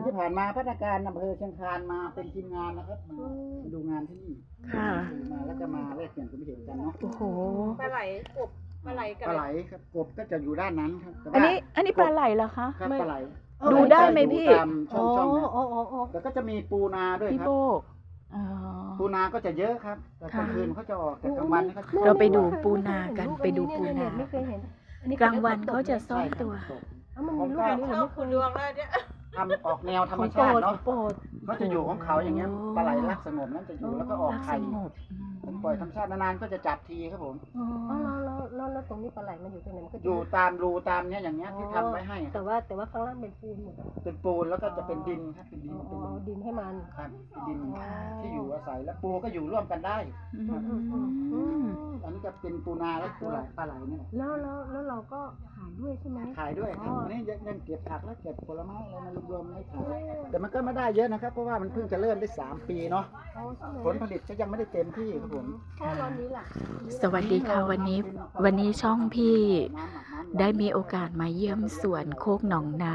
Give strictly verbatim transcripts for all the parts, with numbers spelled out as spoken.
ที่ผ่านมาพัฒนาการอำเภอเชียงคานมาเป็นทีมงานนะครับมาดูงานที่นี่ค่ะมาแล้วก็มาแลกเปลี่ยนความเห็นกันเนาะโอ้โหปลาไหลกบปลาไหลกับปลาไหลครับกบก็จะอยู่ด้านนั้นครับอันนี้อันนี้ปลาไหลเหรอคะครับปลาไหลดูได้ไหมพี่ตามช่องช่องแล้วก็จะมีปูนาด้วยครับปูนาก็จะเยอะครับแต่กลางคืนเขาจะออกแต่กลางวันเขาเราไปดูปูนากันไปดูปูนากลางวันเขาจะซ่อนตัวมันมีลูกนี้หรือไม่คุณดวงแล้วเนี่ยทำออกแนวธรรมชาติเนาะเขาจะอยู่ของเขาอย่างเงี้ยปลาไหลรักสงบนั่นจะอยู่แล้วก็ออกไข่ผมปล่อยธรรมชาตินานๆก็จะจับทีครับผมอ๋อแล้วแล้วแล้วตรงนี้ปลาไหลมันอยู่ตรงไหนมันก็อยู่ตามรูตามเนี้ยอย่างเงี้ยที่ทำไว้ให้แต่ว่าแต่ว่าข้างล่างเป็นปูนหมดเป็นปูนแล้วก็จะเป็นดินครับเป็นดินเป็นดินให้มันครับเป็นดินที่อยู่อาศัยแล้วปูก็อยู่ร่วมกันได้อันนี้จะเป็นปูนาและปูไหลปลาไหลเนี่ยแล้วแล้วแล้วเราก็ขายด้วยใช่ไหมขายด้วยครับอันนี้ยังเก็บผักแล้วเก็บผลไม้อะไรมารวมๆไม่ขายแต่มันก็ไม่ได้เยอะนะครับเพราะว่ามันเพิ่งจะเริ่มได้สามปีเนาะผลผลิตก็ยังไม่ได้เต็มที่ครับผมสวัสดีค่ะวันนี้วันนี้ช่องพี่ได้มีโอกาสมาเยี่ยมสวนโคกหนองนา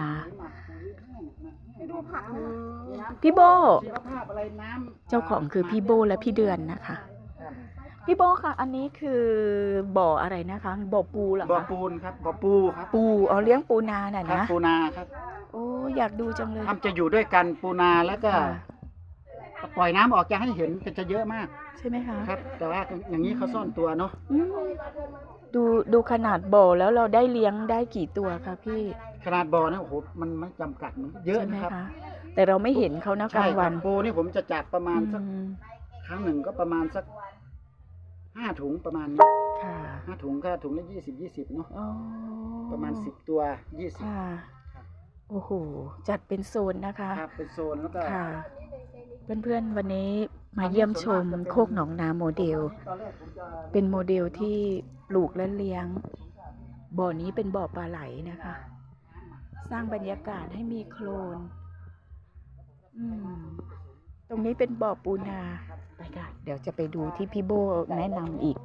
พี่โบเจ้าของคือพี่โบและพี่เดือนนะคะพี่โบค่ะอันนี้คือบ่ออะไรนะคะบ่อปูเหรอคะบ่อปูนครับบ่อปูครับปูเอาเลี้ยงปูนาน่ะนะปูนาครับโอ้อยากดูจังเลยทำจะอยู่ด้วยกันปูนาแล้วก็ปล่อยน้ำออกจะให้เห็นจะเยอะมากใช่ไหมคะครับแต่ว่าอย่างนี้เขาซ่อนตัวเนาะดูดูขนาดบ่อแล้วเราได้เลี้ยงได้กี่ตัวคะพี่ขนาดบ่อนะโอ้โหมันไม่จำกัดมันเยอะนะครับแต่เราไม่เห็นเขานะกลางวันปูนี่ผมจะจับประมาณสักครั้งหนึ่งก็ประมาณสักห้าถุงประมาณนี้ห้าถุงก็ถุงละยี่สิบยี่สิบเนาะประมาณสิบตัวยี่สิบโอ้โหจัดเป็นโซนนะคะครับเป็นโซนแล้วก็เพื่อนๆวันนี้มาเยี่ยมชมโคกหนองนาโมเดลเป็นโมเดลที่ปลูกและเลี้ยงบ่อนี้เป็นบ่อปลาไหลนะคะสร้างบรรยากาศให้มีโคลนอืมตรงนี้เป็นบ่อปูนาไปค่ะเดี๋ยวจะไปดูที่พี่โบแนะนำอีก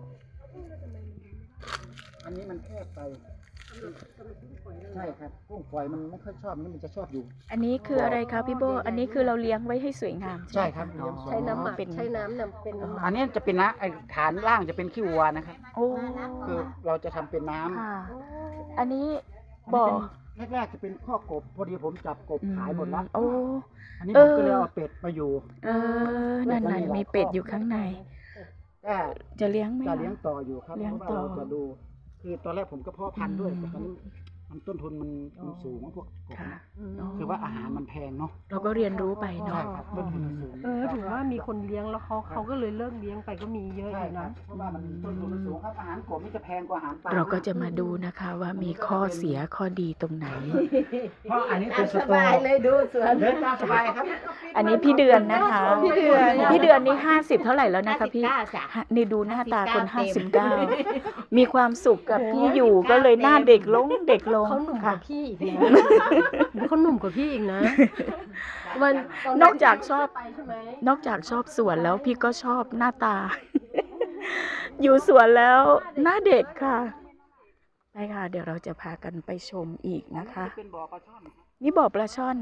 อันนี้มันแคบไปใช่ครับกุ้งฝอยมันไม่ค่อยชอบนี่มันจะชอบอยู่อันนี้คืออะไรคะพี่โบอันนี้คือเราเลี้ยงไว้ให้สวยงามใช่ครับใช้น้ำหมักใช้น้ำนำเป็นอันนี้จะเป็นน้ำไอฐานล่างจะเป็นขี้วัวนะครับโอ้คือเราจะทำเป็นน้ำอันนี้บ่อแรกๆจะเป็นข้อกบพอดีผมจับกบขายหมดแล้วโอ้อันนี้ผมก็เลยเอาเป็ดมาอยู่เออนั่นๆมีเป็ดอยู่ข้างในก็จะเลี้ยงไหมจะเลี้ยงต่ออยู่ครับเพราะว่าเราจะดูคือตอนแรกผมก็เพาะพันธุ์ด้วยแต่ตอนนี้มันต้นทุนมันสูงพวกกบคือว่าอาหารมันแพงเนาะเราก็เรียนรู้ไปเนาะต้นทุนมันสูงเออถือว่ามีคนเลี้ยงแล้วเขาเขาก็เลยเลิกเลี้ยงไปก็มีเยอะอยู่นะเพราะว่ามันต้นทุนมันสูงครับอาหารกบนี่จะแพงกว่าอาหารปลาเราก็จะมาดูนะคะว่ามีข้อเสียข้อดีตรงไหนเพราะอันนี้เป็นสบายเลยดูสวนเดินตามสบายครับอันนี้พี่เดือนนะคะพี่เดือนพี่เดือนนี่ห้าสิบเท่าไหร่แล้วนะคะพี่นี่ดูหน้าตาคนห้าสิบเก้ามีความสุขกับพี่อยู่ก็เลยหน้าเด็กลงเด็กลงเขาหนุ่มกว่าพี่อีกนะเขาหนุ่มกว่าพี่อีกนะมันนอกจากชอบนอกจากชอบสวนแล้วพี่ก็ชอบหน้าตาอยู่สวนแล้วหน้าเด็กค่ะไปค่ะเดี๋ยวเราจะพากันไปชมอีกนะคะนี่บ่อปลาช่อน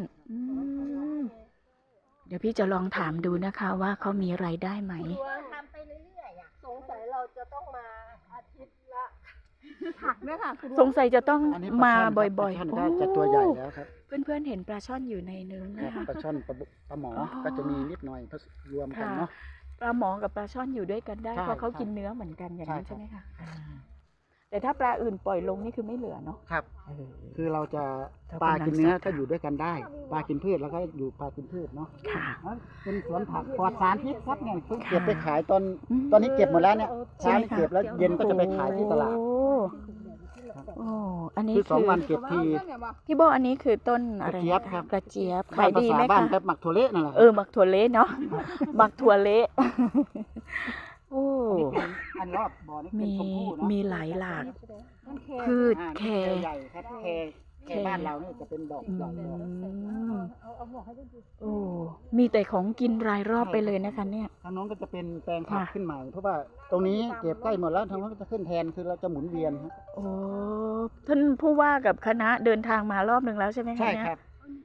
เดี๋ยวพี่จะลองถามดูนะคะว่าเขามีรายได้ไหมทำไปเรื่อยๆสงสัยเราจะต้องมาอาทิตย์ละผักด้วยค่ะสงสัยจะต้องมาบ่อยๆโอ้จะตัวใหญ่แล้วครับเพื่อนๆเห็นปลาช่อนอยู่ในเนื้อนะคะปลาช่อนปลาหมอก็จะมีนิดหน่อยรวมกันเนาะปลาหมอกับปลาช่อนอยู่ด้วยกันได้เพราะเขากินเนื้อเหมือนกันอย่างนั้นใช่ไหมคะแต่ถ้าปลาอื่นปล่อยลงนี่คือไม่เหลือเนาะครับคือเราจะปลากินเนื้อก็อยู่ด้วยกันได้ปลากินพืชแล้วก็อยู่ปลากินพืชเนาะค่ะเป็นสวนผักปลอดสารพิษครับเนี่ยเพิ่งเก็บไปขายตอนตอนนี้เก็บหมดแล้วเนี่ยเช้านี่เก็บแล้วเย็นก็จะไปขายที่ตลาดโอ้อันนี้คือสองวันเก็บทีพี่โบอันนี้คือต้นอะไรกระเจี๊ยบครับกระเจี๊ยบขายดีไหมคะหมักถั่วเละนั่นแหละเออหมักถั่วเละเนาะหมักถั่วเละโอ้อันรอบบ่อนี่เป็นชมพู่เนาะมีหลายหลากพืชแคร์ใหญ่ครับแคร์แคร์บ้านเราเนี่ยจะเป็นดอกดอกโอ้มีแต่ของกินรายรอบไปเลยนะคะเนี่ยทางโน้นก็จะเป็นแปลงผักขึ้นใหม่เพราะว่าตรงนี้เก็บใกล้หมดแล้วทางโน้นก็จะขึ้นแทนคือเราจะหมุนเวียนครับโอ้ท่านผู้ว่ากับคณะเดินทางมารอบหนึ่งแล้วใช่ไหมคะใช่ครับ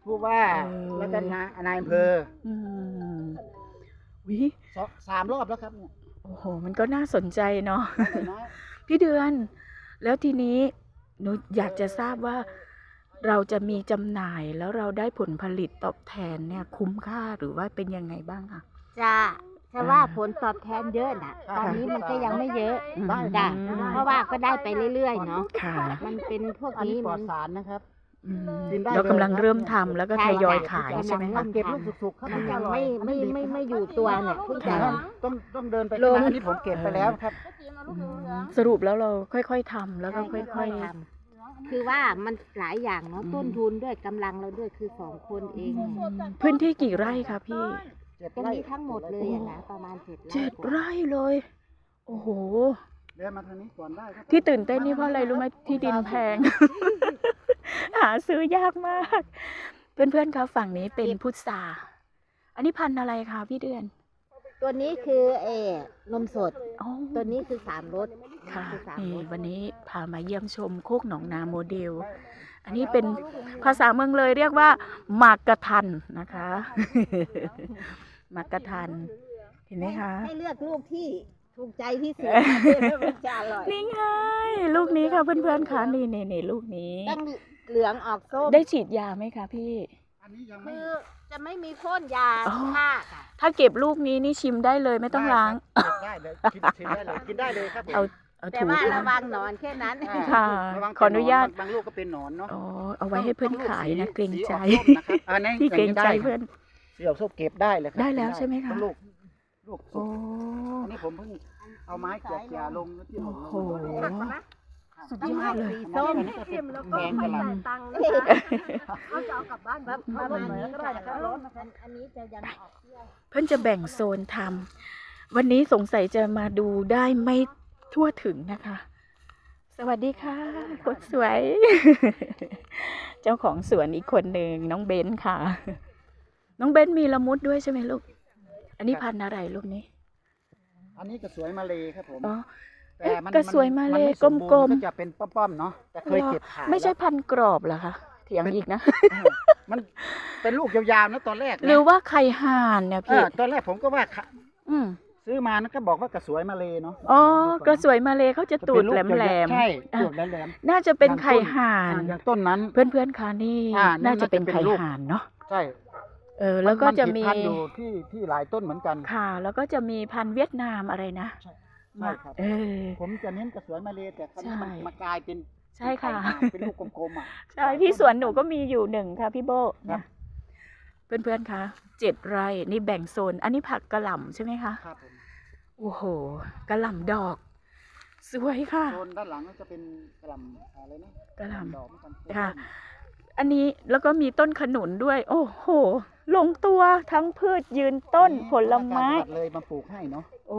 ผู้ว่าเออแล้วก็นายนายอำเภออืมวิสองสามรอบแล้วครับเนี่ยโอ้โห มันก็น่าสนใจเนาะแต่น้อยพี่เดือน แล้วทีนี้หนูอยากจะทราบว่า เราจะมีจำหน่ายแล้วเราได้ผลผลิตตอบแทนเนี่ย คุ้มค่าหรือว่าเป็นยังไงบ้างคะจะจะว่าผลตอบแทนเยอะนะตอนนี้มันก็ยังไม่เยอะได้จ้ะอืมเพราะว่าก็ได้ไปเรื่อยๆเนาะค่ะมันเป็นพวกอันนี้นี้ปลอมัดนสารนะครับอืมกินได้เรากำลังเลยครับเริ่มทำแล้วก็ใช่ทยอยค่ะขายใช่ไหมกำลัคะงเก็บลูกสุกๆครับมันจะยังอร่อไม่ไม่ไม่ไม่อยู่ตัวเนี่ยเพิ่งจะค่ะต้องต้องเดินไปลงข้างหน้าอันนี้ผมเก็บไปแล้วครับสรุปแล้วเราค่อยๆทำแล้วก็ค่ค่ออย ยๆทำคือว่ามันหลายอย่างเนาะอืมต้นทุนด้วยกำลังเราด้วยคือสองคนเองเนี่ยๆ พื้นที่กี่ไร่คะพี่เจ็ดตรงไร่นี้ทั้งหมดเลยอะนะประมาณเจ็ดไร่เจ็ดกว่าไร่เลย โอ้โหเดินมาทางนี้ก่อนได้ครับที่ตื่นเต้นนี่เพราะอะไรรู้ไหมที่ดินแพง หาซื้อยากมาก เพื่อนๆคะฝั่งนี้เป็นพุทราอันนี้พันธุ์อะไรคะพี่เดือนตัวนี้คือเออนมสดอ๋อตัวนี้คือสามรสค่ะคือสามนี่รสวันนี้พามาเยี่ยมชมโคกหนองนาโมเดล อันนี้เป็นภาษาเมืองเลยเรียกว่าหมากกระทันนะคะ หมากกระทัน เห็นไหมคะให้เลือกลูกที่ถูกใจที่สุดมันจะอร่อยนี่ไงลูกนี้ค่ะเพื่อนๆคะนี่นี่นี่ลูกนี้ตั้งเหลืองออกส้มได้ฉีดยาไหมคะพี่อันนี้ยังไม่คือจะไม่มีพ่นยาอ๋อฆ่าค่ะถ้าเก็บลูกนี้นี่ชิมได้เลยไม่ต้องล้างเก็บได้เลยกินชิมได้เลยกินได้เลยครับผมเอาเอาแต่ถูว่าค่ะระวังหนอนแค่นั้นอ่าค่ะระวังขออนุญาตบางลูกก็เป็นหนอนเนาะอ๋อเอาไว้ให้เพื่อนขายนะเกรงใจสีออกส้มนะครับอันนี้พี่เกรงใจได้เพื่อนสีออกส้มเก็บได้เลยครับได้แล้วใช่ไหมคะลูกลูกสุโอ้กอันนี้ผมเพิ่งเอาไม้เกี่ยๆลงแล้วที่หล่นลงโอ้โห สุดยอดเลยสีส้มอันนี้ก็เป็นแพงกระหล่ำตังค์เขาจะเอากลับบ้านประมาณนี้ก็ได้ครับอันนี้จะยังออกเที่ยวเพื่อนจะแบ่งโซนทำวันนี้สงสัยจะมาดูได้ไม่ทั่วถึงนะคะ สวัสดีค่ะคนสวย เจ้าของสวนอีกคนหนึ่งน้องเบนค่ะ น้องเบนมีละมุดด้วยใช่ไหมลูก อันนี้พันธุ์อะไรลูกนี้อันนี้ก็สวยมาเลยครับผมอ๋อแต่มันก็สวยมาเลยนไสมบูรณ์กลมๆก็จะเป็นป้อมๆเนาะแต่เคยเก็บขายไม่ใช่แล้วพันธุ์กรอบเหรอคะเถียงอีกนะเออมันเป็นลูกยาวๆนะตอนแรกนะหรือว่าไข่ห่านเนี่ยเอพี่อตอนแรกผมก็ว่าขะอืมซื้อมานะก็บอกว่ากระสวยมาเลยเนาะอ๋อกระสวยมาเลยเขาจะตูดแหลมๆใช่อ่ะตูดแหลมน่าจะเป็นอย่างต้นไข่ห่านๆอย่างต้นนั้นเพื่อนๆคะนี่อ่านั่นน่าจะเป็นน่าจะเป็นไข่ลูกห่านเนาะใช่เออ แล้วก็จะมีนผิดพันธุ์อยู่ที่ที่หลายต้นเหมือนกันค่ะ แล้วก็จะมีพันธุ์เวียดนามอะไรนะใช่ใช่ครับเออผมจะเน้นกระสวยมาเลยแต่คราวนี้มันใช่มากลายเป็นใช่ค่ะไข่ห่านเป็นลูกกลมๆอ่ะใช่ที่สวนหนูก็มีอยู่หนึ่งค่ะพี่โบครับนะเพื่อนๆคะเจ็ดไร่นี่แบ่งโซน อันนี้ผักกระหล่ำใช่ไหมคะครับผมโอ้โหกระหล่ำดอก สวยค่ะโซนด้านหลังก็จะเป็นกระหล่ำอะไรนะกระหล่ำดอกเหมือนกันค่ะ อันนี้แล้วก็มีต้นขนุนด้วย โอ้โห ลงตัวทั้งพืชยืนต้นผลไม้จังหวัดเลยมาปลูกให้เนาะโอ้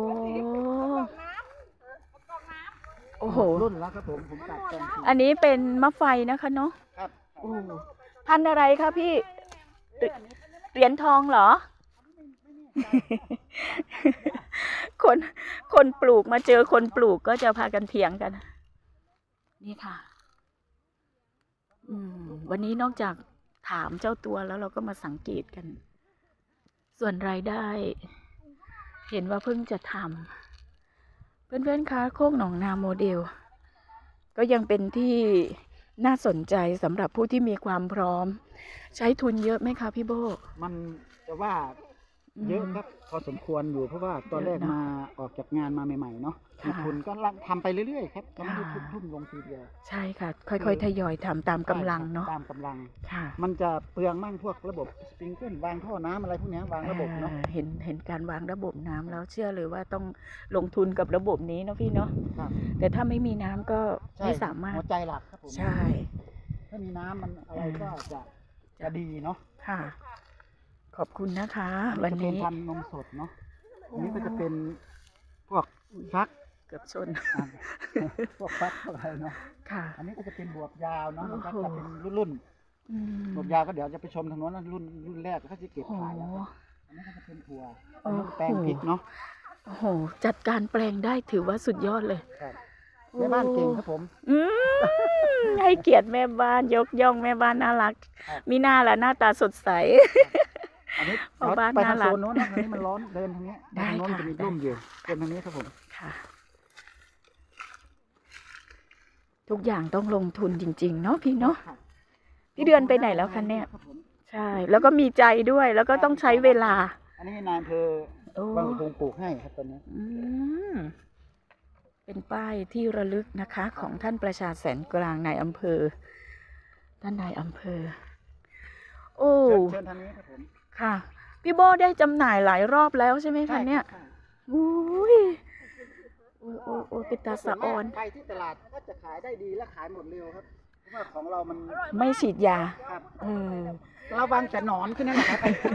โอ้โหรุ่นแล้วครับผมผมตัดตรงอันนี้เป็นมะไฟนะคะเนาะครับโอ้พันธุ์อะไรคะพี่เหรีเหรียญทองเหรอ คนคนปลูกมาเจอคนปลูกก็จะพากันเถียงกัน นี่ค่ะ อืม วันนี้นอกจากถามเจ้าตัวแล้วเราก็มาสังเกตกัน ส่วนรายได้ เห็นว่าเพิ่งจะทำเพื่อนๆคะโคกหนองนาโมเดล ก็ยังเป็นที่น่าสนใจสำหรับผู้ที่มีความพร้อม ใช้ทุนเยอะไหมคะพี่โบมันจะว่าเยอะครับพอสมควรอยู่เพราะว่าตอนแรกเยอะเนอะมาออกจากงานมาใหม่ๆเนาะค่ะมีทุนก็ทำไปเรื่อยๆครับก็ไม่ได้ทุ่มทุ่มลงทีเดียวใช่ค่ะ ค่อยๆทยอยทำตามกำลังเนาะตามกำลังค่ะมันจะเปลืองมั่งพวกระบบสปริงเกิลวางท่อน้ำอะไรพวกเนี้ยวางระบบเนาะอ่าเห็นเห็นการวางระบบน้ำแล้วเชื่อเลยว่าต้องลงทุนกับระบบนี้เนาะพี่เนาะครับแต่ถ้าไม่มีน้ำก็ใช่ไม่สามารถหัวใจหลักครับผมใช่ถ้ามีน้ำมันอะไรก็จะจะดีเนาะค่ะ ขอบคุณนะคะอัวันจะเป็นนี้พันธุ์นมสดเนาะอันนี้ก็จะเป็นพวกฟักเกือบชนอ่าพวกฟักพวกอะไรเนาะค่ะอันนี้ก็จะเป็นบวบยาวเนาะมันก็โอ้โหจะเป็นรุ่นอืมๆบวบยาวก็เดี๋ยวจะไปชมทางโน้นนะรุ่นรุ่นแรกก็จะเก็บโอ้โหขายแล้วครับอันนี้ก็จะเป็นถั่วโอ้อันโหนี้แปลงพริกเนาะโอ้โห จัดการแปลงได้ถือว่าสุดยอดเลยครับโแม่บ้านเก่งครับผมอืมให้เกียรติแม่บ้านยกย่องแม่บ้านน่ารักครับมีหน้าละหน้าตาสดใสอันนี้พ่อบ้านไปทางน่ารัโซกนโน้นนะทางนี้มันร้อนเดินทางนี้ได้ทางโน้นค่ะจะมีร่มอยู่เดินทางนี้ครับผมค่ะ ทุกอย่างต้องลงทุนจริง ๆ เนาะพี่เนาะครับพี่เดือนไปไหนแล้วคะเนี่ยรับผมใช่ แล้วก็มีใจด้วยแล้วก็ต้องใช้เวลาอันนี้นายอำเภอโอ้บางคงปลูกให้ครับตอนนี้อืมเป็นป้ายที่ระลึกนะคะ ของท่านประชาแสนกลางนายอำเภอท่านนายอำเภอ โอ้เชิญเชิญทางนี้ครับผมค่ะ พี่โบได้จำหน่ายหลายรอบแล้วใช่ไหมคะเนี่ยใช่อุ้ยโอ้ยโอ้ยโอ้ยเป็นตาสะออนไปที่ตลาดก็จะขายได้ดีและขายหมดเร็วครับ เพราะว่าของเรามันไม่ฉีดยาครับเออระวังแต่หนอนขึ้นนั่นแหละครับ